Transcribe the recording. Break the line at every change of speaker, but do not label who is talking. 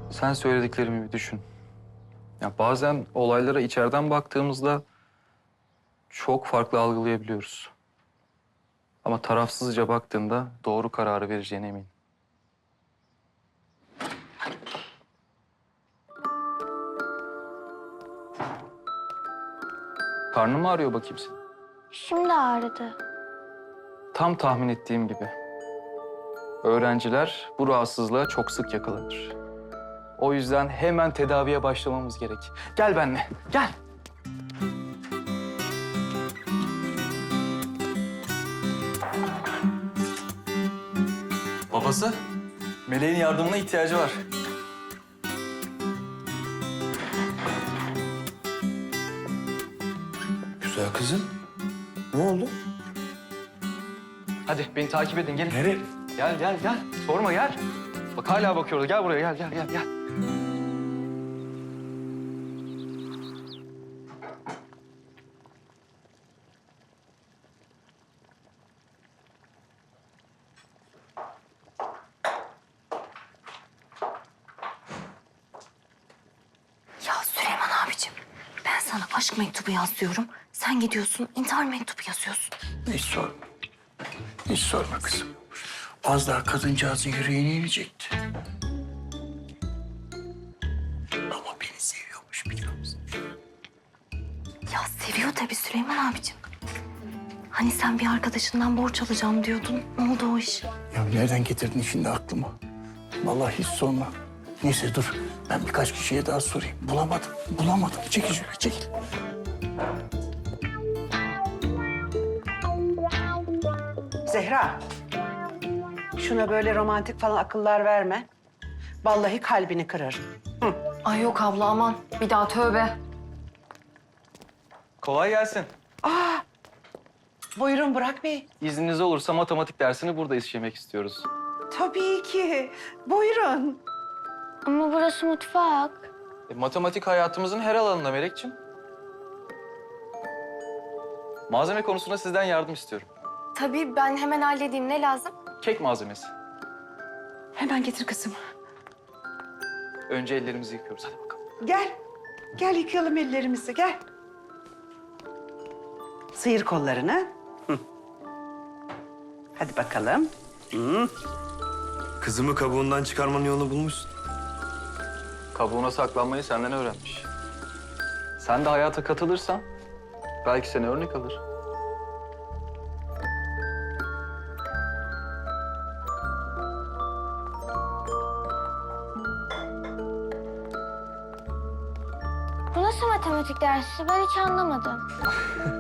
Sen söylediklerimi bir düşün. Ya bazen olaylara içeriden baktığımızda çok farklı algılayabiliyoruz. Ama tarafsızca baktığında doğru kararı vereceğine eminim. Karnın mı ağrıyor bakayım senin?
Şimdi ağrıdı.
Tam tahmin ettiğim gibi. Öğrenciler bu rahatsızlığa çok sık yakalanır. O yüzden hemen tedaviye başlamamız gerek. Gel benimle, gel. Babası, Meleğin yardımına ihtiyacı var.
Güzel kızım. Ne oldu?
Hadi beni takip edin, gelin.
Nereye?
Gel, gel, gel. Sorma, gel. Bak hala bakıyorlar. Gel buraya, gel, gel, gel, gel.
Ya Süleyman abicim, ben sana aşk mektubu yaz diyorum. Sen gidiyorsun, intihar mektubu yazıyorsun.
Hiç sorma. Hiç sorma kızım. Az daha kadıncağızın yüreğine inecekti. Ama beni seviyormuş biliyor musun?
Ya seviyor tabii Süleyman abicim. Hani sen bir arkadaşından borç alacağım diyordun. Ne oldu o iş?
Ya nereden getirdin şimdi aklıma? Vallahi hiç sorma. Neyse dur. Ben birkaç kişiye daha sorayım. Bulamadım. Çekil şöyle, çekil.
Zehra, şuna böyle romantik falan akıllar verme. Vallahi kalbini kırarım.
Ay yok abla aman. Bir daha tövbe.
Kolay gelsin.
Buyurun Burak Bey.
İzniniz olursa matematik dersini burada işlemek istiyoruz.
Tabii ki. Buyurun.
Ama burası mutfak.
Matematik hayatımızın her alanında Melekciğim. Malzeme konusunda sizden yardım istiyorum.
Tabii ben hemen halledeyim. Ne lazım?
Kek malzemesi.
Hemen getir kızım.
Önce ellerimizi yıkıyoruz. Hadi bakalım.
Gel. Gel yıkayalım ellerimizi, gel. Sıyır kollarını. Hı. Hadi bakalım.
Kızımı kabuğundan çıkarmanın yolunu bulmuşsun.
Kabuğuna saklanmayı senden öğrenmiş. Sen de hayata katılırsan belki seni örnek alır.
Bu nasıl matematik dersi? Ben hiç anlamadım.